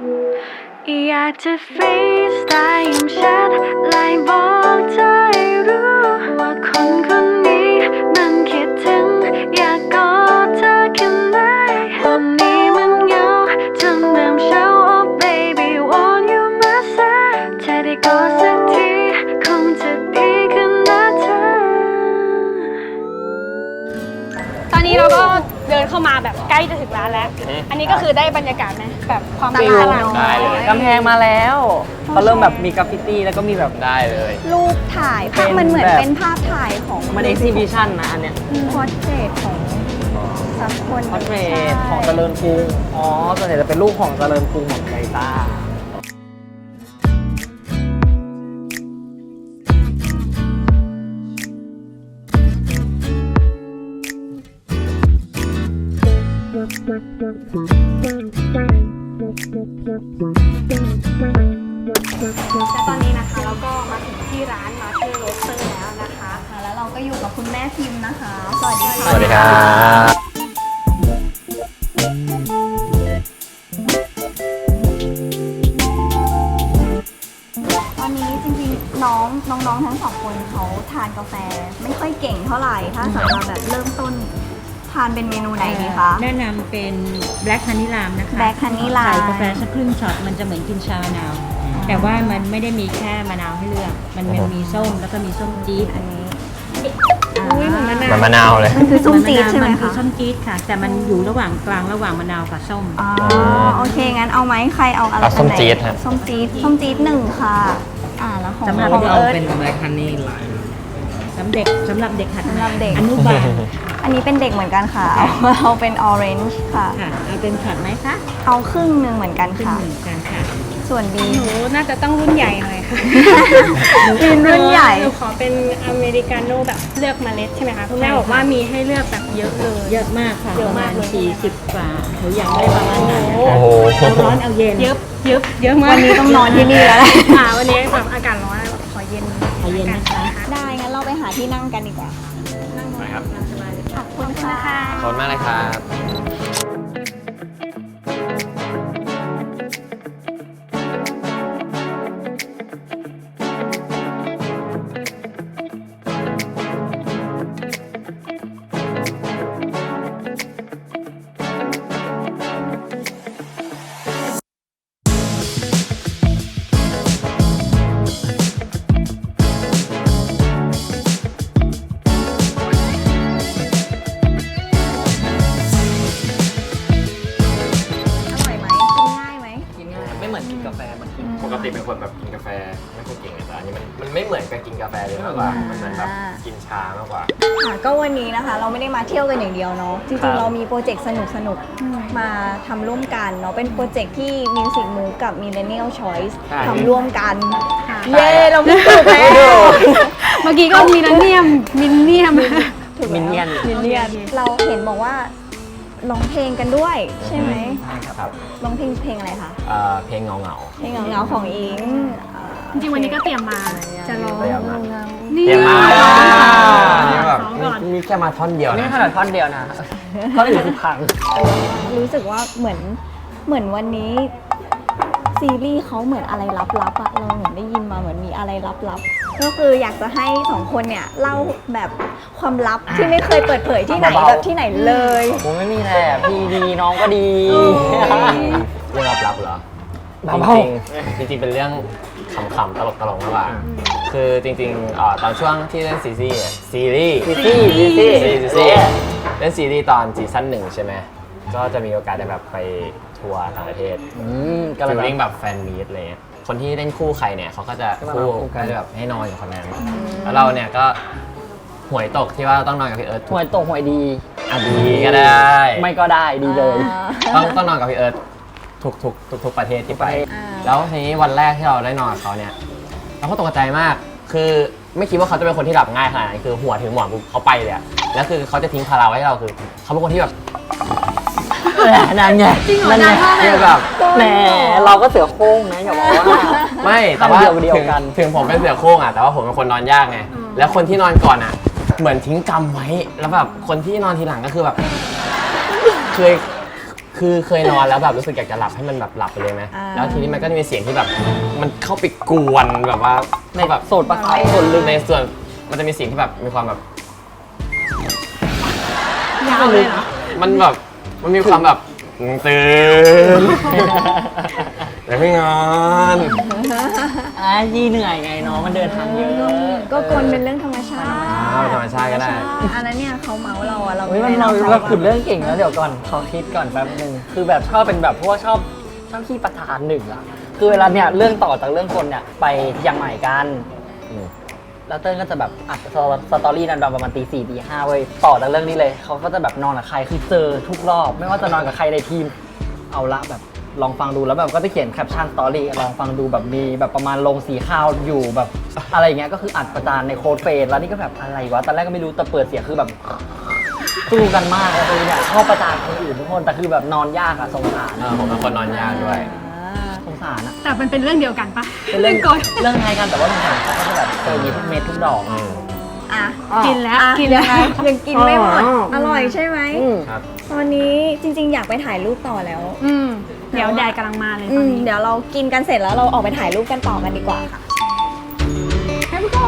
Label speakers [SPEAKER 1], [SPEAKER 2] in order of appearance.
[SPEAKER 1] อยากจะฟรีสไตล์ยิ้มชัดไล่บอกเธอให้รู้ว่าคนคนนี้มันคิดถึงอยากกอดเธอแค่ไหนวันนี้มันเหงาจนเริ่มเช้า Oh baby want you my side ถ้าได้กอดสักทีคงจะดีขึ้นนะเธอ
[SPEAKER 2] ตอนนี้เราก็เดินเข้ามาแบบใกล้จะถึงร้านแล้ว อันนี้ก็คือได้บรรยากาศไหมแบบความตลาด
[SPEAKER 3] ได้เลย
[SPEAKER 4] กำแพงมาแล้วเขาเริ่มแบบมีกราฟฟิตี้แล้วก็มีแบบ
[SPEAKER 3] ได้เลย
[SPEAKER 5] รูปถ่ายภาพมันเหมือนเป็นภาพถ่ายของ
[SPEAKER 4] มันเอ็กซิบิชันนะอันเนี้ย
[SPEAKER 5] พอร์เทรตของสักคน
[SPEAKER 4] พอร์เทรตของเจริญกรุงอ๋อส่วนใหญ่จะเป็นรูปของเจริญกรุงของไกต้า
[SPEAKER 2] และตอนนี้นะคะเราก็มาถึงที่ร้านมาเทอร์โรสเตอร์แล้วนะคะ
[SPEAKER 5] แล้วเราก็อยู่กับคุณแม่พิมพ์นะคะ สวัสดีค่ะ
[SPEAKER 3] สวัสดีครับ
[SPEAKER 5] ตอนนี้จริงๆน้องๆทั้งสองคนเขาทานกาแฟไม่ค่อยเก่งเท่าไหร่ถ้าสำหรับแบบเริ่มต้นทานเป็นเมนูไหนดีคะ
[SPEAKER 6] แนะนำเป็น Black Honey Lime นะคะ
[SPEAKER 5] Black Honey Lime
[SPEAKER 6] ใส่กาแฟสักครึ่งช็อตมันจะเหมือนกินชามะนาว แต่ว่ามันไม่ได้มีแค่มะนาวให้เลือก มันมีส้มแล้วก็มีส้มจี๊ด
[SPEAKER 5] อันนี้
[SPEAKER 2] อุ้ยเหมือนมะนาว
[SPEAKER 3] มันมะนาวเลย
[SPEAKER 5] มันคือส้มจี๊ดใช่ไหม
[SPEAKER 6] มันคือ
[SPEAKER 5] คะ
[SPEAKER 6] ส้มจี๊ดค่ะ แต่มันอยู่ระหว่างกลางระหว่างมะนาวกับส้ม
[SPEAKER 5] อ๋อโอเคงั้นเอาไหมใครเอาอะไร
[SPEAKER 3] เอาส้มจี๊ดฮะ
[SPEAKER 5] ส้มจี๊ดหนึ่งค่ะแล้วของ
[SPEAKER 6] สำหรับ
[SPEAKER 5] ของ
[SPEAKER 4] เอา
[SPEAKER 5] เอิร์ธ
[SPEAKER 4] เป็นแบล็คฮันนี่ไลน์
[SPEAKER 6] สำหรับเด็กหัด
[SPEAKER 5] สำหรับเด็ก
[SPEAKER 6] อนุบาล
[SPEAKER 5] อันนี้เป็นเด็กเหมือนกันค่ะ เอาเป็นออเรนจ์ค่ะ
[SPEAKER 6] ค่ะเอาเป็นช็อตไหมคะ
[SPEAKER 5] เอาครึ่งหนึ่งเหมือนกัน
[SPEAKER 6] ขึ้น
[SPEAKER 5] ค่ะ
[SPEAKER 6] หนึ่งกันค่ะ
[SPEAKER 5] ส่วนบี
[SPEAKER 2] หนูน่าจะต้องรุ่นใหญ่หน่อยค่ะ
[SPEAKER 5] บีรุ่นใหญ่
[SPEAKER 2] หนูขอเป็นอเมริกาโน่แบบเลือกเมล็ดใช่ไหมคะคุณแม่บอกว่ามีให้เลือกแบบเยอะเลย
[SPEAKER 6] เยอะมากค่ะ
[SPEAKER 2] เย
[SPEAKER 6] ป
[SPEAKER 2] อะ
[SPEAKER 6] ระ
[SPEAKER 2] มา
[SPEAKER 6] มาณ
[SPEAKER 2] กเลย
[SPEAKER 6] 40 กว่าหนูอยากได้ประมาณนั้นนะ
[SPEAKER 3] โอ้
[SPEAKER 6] คะ
[SPEAKER 3] โห
[SPEAKER 6] เอาร้อนเอาเย็น
[SPEAKER 2] เยอะมาก
[SPEAKER 5] วันนี้ต้องนอนที่นี่แล้วแหละ
[SPEAKER 2] วันนี้แบบอากาศร้อนแบบขอเย็น
[SPEAKER 6] เอาเย็นนะคะ
[SPEAKER 5] ได้งั้นเราไปหาที่นั่งกันดีกว่า
[SPEAKER 3] ไปครับ
[SPEAKER 5] ขอบคุณค่ะ
[SPEAKER 3] ขอบคุณมากเลยครับ
[SPEAKER 5] อร่อยไหมกินง่ายไหม
[SPEAKER 4] กินง่ายไม่เหมือนกินกาแฟมันกิน
[SPEAKER 3] ปกติเป็นคนแบบกินกาแฟไม่ค่อยเก่งแต่อันนี้มันไม่เหมือนกับกินกาแฟเลยมากกว่า มันเหมือนแบบกินชามากกว่า
[SPEAKER 5] ค่ะก็วันนี้นะคะเราไม่ได้มาเที่ยวกันอย่างเดียวเนาะจ
[SPEAKER 3] ครั
[SPEAKER 5] ริง
[SPEAKER 3] บ
[SPEAKER 5] ๆเรามีโปรเจกต์สนุกๆมาทำร่วมกันเนาะเป็นโปรเจกต์ที่ Music Move กับ Millennial Choice ทำร่วมกัน เย้เราพูดถูกแล้ว
[SPEAKER 2] เมื่อกี้ก็มีนันเนียมมินเนียม
[SPEAKER 5] ถูกแล้ว
[SPEAKER 4] มินเนี่ยน
[SPEAKER 5] มินเนี่ยนเราเห็นบอกว่าร้องเพลงกันด้วยใช่ไหม
[SPEAKER 3] ครับ
[SPEAKER 5] ร้องเพลงอะไรคะ
[SPEAKER 3] เพลงเงา
[SPEAKER 5] เพลงเหงาๆของอิง
[SPEAKER 2] จริงๆวันนี้ก็เตรียมมาจะร้อง
[SPEAKER 3] เตรียมมา
[SPEAKER 2] นี่
[SPEAKER 3] เตรียมมา
[SPEAKER 2] นี่
[SPEAKER 3] นี่แบบ
[SPEAKER 2] ซ้อมก่อน
[SPEAKER 3] นี่แค่มาท่อนเดียว
[SPEAKER 4] นี่
[SPEAKER 3] นะ
[SPEAKER 4] ขนาดท่อนเดียวนะท่อนอื่นคือพัง
[SPEAKER 5] รู้สึกว่าเหมือนวันนี้ซีรีส์เขาเหมือนอะไรลับๆอะเราเหมือนได้ยินมาเหมือนมีอะไรลับๆก็คืออยากจะให้สองคนเนี่ยเล่าแบบความลับที่ไม่เคยเปิดเผยที่ไหน
[SPEAKER 4] เบาๆ
[SPEAKER 5] แบบที่ไหนเลย
[SPEAKER 4] ผมไม่มีแหละพี่ดีน้องก็ดี
[SPEAKER 3] เรื่องลับๆเหรอ
[SPEAKER 4] เบา
[SPEAKER 3] จริงๆเป็นเรื่องขำๆตลกๆมากกว่าคือจริงๆตอนช่วงที่เล่นซีรีส์เล่นซีรีส์ตอนซีซั่น1ใช่ไหมก็จะมีโอกาสได้แบบไปทัวร์ต่างประเทศ
[SPEAKER 4] กำลั
[SPEAKER 3] ฟิ
[SPEAKER 4] ง
[SPEAKER 3] ลลิ่งแบบแฟนมีตอะไรเงี้ยคนที่เล่นคู่ใครเนี่ยเขาก็จะ
[SPEAKER 4] ก็มา
[SPEAKER 3] คู่
[SPEAKER 4] คู่กัน
[SPEAKER 3] ก็จะแบบให้นอนกับคนนั้นแล้วเราเนี่ยก็หวยตกที่ว่าต้องนอนกับพี่เอิร์ธ
[SPEAKER 4] หวยตกหวยดี
[SPEAKER 3] อ่ะดีก็ได้
[SPEAKER 4] ไม่ก็ได้ดีเลย
[SPEAKER 3] ต้องนอนกับพี่เอิร์ธทุกประเทศที่ไป
[SPEAKER 5] อ่า
[SPEAKER 3] แล้วทีนี้วันแรกที่เราได้นอนกับเขาเนี่ยเราก็ตกใจมาก คือไม่คิดว่าเขาจะเป็นคนที่หลับง่ายขนาดนั้นคือหัวถึงหมอนปุ๊บเขาไปเลยอะแล้วคือเขาจะทิ้งภาระไว้ให้เราคือเขาเป็นคนที่แบบ
[SPEAKER 4] นั่นไงนั่นไง
[SPEAKER 3] คือแบบ
[SPEAKER 4] แหมเราก็เสือโคร่งนะอย่าบอกว่า
[SPEAKER 3] ไม่แต่ว่า
[SPEAKER 4] เดียวกัน
[SPEAKER 3] ถึงผมเป็นเสือโคร่งอะแต่ว่าผมเป็นคนนอนยากไงแล้วคนที่นอนก่อนอะเหมือนทิ้งกรรมไว้แล้วแบบคนที่นอนทีหลังก็คือแบบเคยคือเคยนอนแล้วแบบรู้สึกอยากจะหลับให้มันแบบหลับไปเลยไหม
[SPEAKER 5] อ่า
[SPEAKER 3] แล้วทีนี้มันก็จะมีเสียงที่แบบมันเข้าไปกวนแบบว่า
[SPEAKER 4] ใน
[SPEAKER 3] แบบ
[SPEAKER 4] โสดประสาทส่วนลึก
[SPEAKER 3] ในส่วนมันจะมีเสียงที่แบบมีความแบบ
[SPEAKER 2] ยาวเลยเหรอ
[SPEAKER 3] มันแบบมันมีความแบบตื่นแต่ไม่งอน
[SPEAKER 4] ยี่เหนื่อยไงน้องมันเดินทางเยอะ
[SPEAKER 5] ก็กลเป็นเรื่องธรรมชาติ
[SPEAKER 3] ธรรมชาติก็ได้
[SPEAKER 5] อันนั้นเนี่ยเขาเมาเราอะเรา
[SPEAKER 4] เฮ้ย
[SPEAKER 5] ไม่
[SPEAKER 4] มัน
[SPEAKER 5] ได้
[SPEAKER 4] เรา
[SPEAKER 5] เมา
[SPEAKER 4] เรา
[SPEAKER 5] เขา
[SPEAKER 4] ขุดเรื่องเก่งแล้วเดี๋ยวก่อนขอคิดก่อนแป๊บนึงคือแบบชอบเป็นแบบเพราะว่าชอบขี้ประธานหนึ่งอะคือเวลาเนี่ยเรื่องต่อจากเรื่องคนเนี่ยไปเชียงใหม่กัน
[SPEAKER 3] อืม
[SPEAKER 4] แล้วเต้นก็จะแบบอัดสตอรี่นั้นประมาณตี 4 ตี 5เว้ยต่อจากเรื่องนี้เลยเขาก็จะแบบนอนกับใครคือเจอทุกรอบ ไม่ว่าจะนอนกับใครในทีมเอาละแบบลองฟังดูแล้วแบบก็จะเขียนแคปชั่นสตอรี่ลองฟังดูแบบมีแบบประมาณลงสีข้าวอยู่แบบอะไรอย่างเงี้ยก็คืออัดประจานในโค้ดเฟซแล้วนี่ก็แบบอะไรวะตอนแรกก็ไม่รู้แต่เปิดเสียงคือแบบสู้กันมากเลยเนี่ยชอบประจานคนอื่นทุกคนแต่คือแบบนอนยากอะสงสาร
[SPEAKER 3] ผมเป็นคนนอนยากด้วย
[SPEAKER 4] สงสารอะ
[SPEAKER 2] แต่มันเป็นเรื่องเดียวกันปะ
[SPEAKER 4] เป็นเรื่อง
[SPEAKER 2] กด
[SPEAKER 4] เรื่องไงกันแต่ว่าสงสารเขาก็จะแบบเจออย่างนี้ทุกเม็ดทุกดอก
[SPEAKER 5] อ่ะ
[SPEAKER 2] กินแล้ว
[SPEAKER 5] อ่ะ
[SPEAKER 2] กินแล้ว
[SPEAKER 5] ยังกินไม่หมด
[SPEAKER 4] อ๋อ
[SPEAKER 5] อร่อยใช่ไหม
[SPEAKER 3] ครับ
[SPEAKER 5] ตอนนี้จริงๆ อยากไปถ่ายรูปต่อแล้ว
[SPEAKER 2] เดี๋ยวแดดกำลังมาเลยตอนนี้
[SPEAKER 5] เดี๋ยวเรากินกันเสร็จแล้วเราออกไปถ่ายรูปกันต่อกันดีกว่าค่ะ
[SPEAKER 2] Here we go